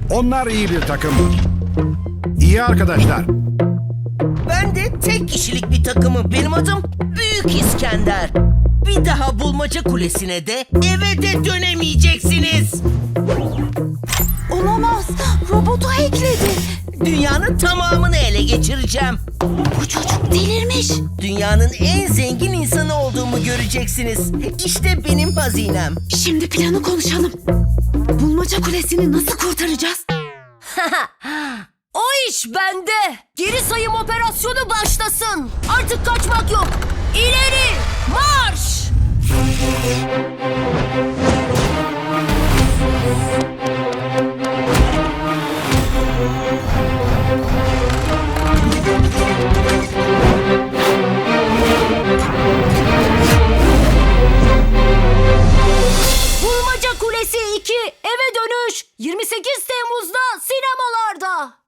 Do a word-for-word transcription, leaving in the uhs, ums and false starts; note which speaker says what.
Speaker 1: Onlar iyi bir takım. İyi arkadaşlar.
Speaker 2: Ben de tek kişilik bir takımım. Benim adım Büyük İskender. Bir daha bulmaca kulesine de eve de dönemeyeceksiniz.
Speaker 3: Olamaz. Robotu hackledi.
Speaker 2: Dünyanın tamamını ele geçireceğim.
Speaker 3: Bu çocuk delirmiş.
Speaker 2: Dünyanın en zengin insanı olduğumu göreceksiniz. İşte benim hazinem.
Speaker 3: Şimdi planı konuşalım. Bulmaca kulesini nasıl kurtaracağız?
Speaker 4: O iş bende. Geri sayım operasyonu başlasın. Artık kaçmak yok. İleri marş! Bulmaca Kulesi iki eve dönüş yirmi sekiz Temmuz'da sinema.